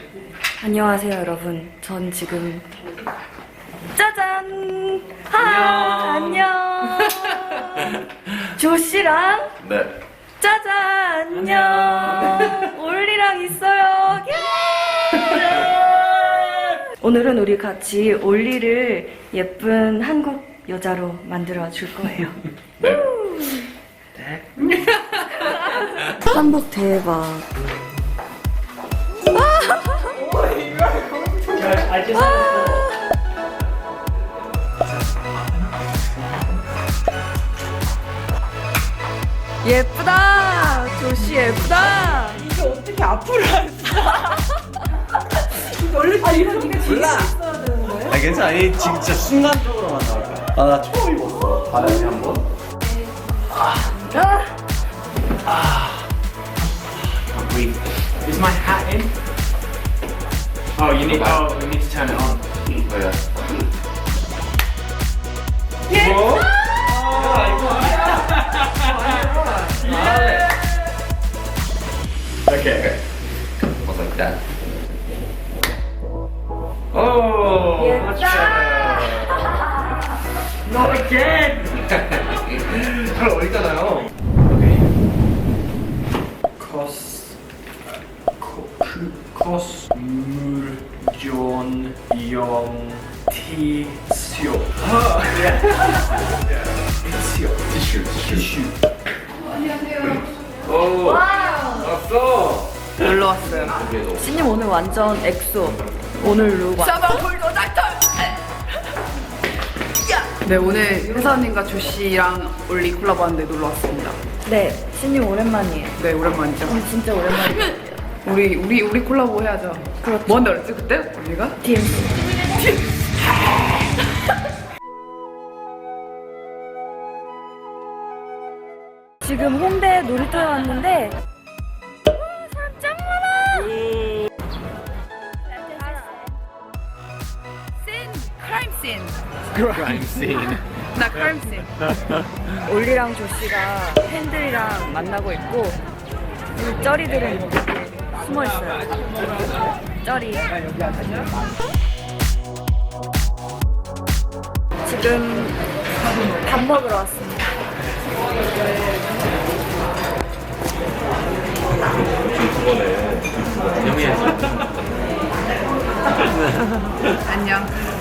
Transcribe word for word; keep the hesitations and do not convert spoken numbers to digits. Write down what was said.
안녕하세요 여러분. 전 지금 짜잔! 하 안녕. 조씨랑 네. 짜잔 안녕. 올리랑 있어요. 오늘은 우리 같이 올리를 예쁜 한국 여자로 만들어 줄 거예요. 네. 한복 대박. 예쁘다. 조씨 예쁘다. 이게 어떻게 앞으로 안 원래 아, 이런 게 뒤에 있어야 되는 거예요? 아 괜찮아. 아니 진짜 순간적으로만 나올 거야. 아 나 처음 입었어. 바람이 한 번. 아. Wait, is my hat in? Oh, you need. Oh, we need to turn it on. 뭐야? 예. 뭐? Okay. Was like that. Oh, much better. Not again. 잘 어울리잖아요. Okay. Cos. Cos. Muljon. Yong. Tisio. Oh, yeah. Tisio. 티슈, 티슈. Tissue. 오, 왔어. 놀러 왔어요. 그래도 신님 오늘 완전 엑소. 오늘 룩. 사방홀도 날털. 네, 오늘 회사님과 조씨랑 올리 콜라보 하는데 놀러 왔습니다. 네, 신님 오랜만이에요. 네, 오랜만이죠. 오늘 진짜 오랜만이에요. 우리 우리 우리 콜라보 해야죠. 그렇죠. 뭐 한다 그랬지 그때? 우리가? 디엠씨. 지금 홍대 놀이터에 왔는데 와, 사람 짱 많아. 씬! 크라임 씬! Crime scene. 나 크라임 씬. 올리랑 조씨가 팬들이랑 만나고 있고 우리 쩌리들은 여기 숨어 있어요. 쩌리. 지금 밥 먹으러 왔습니다. 유튜버네. 영희야. 안녕.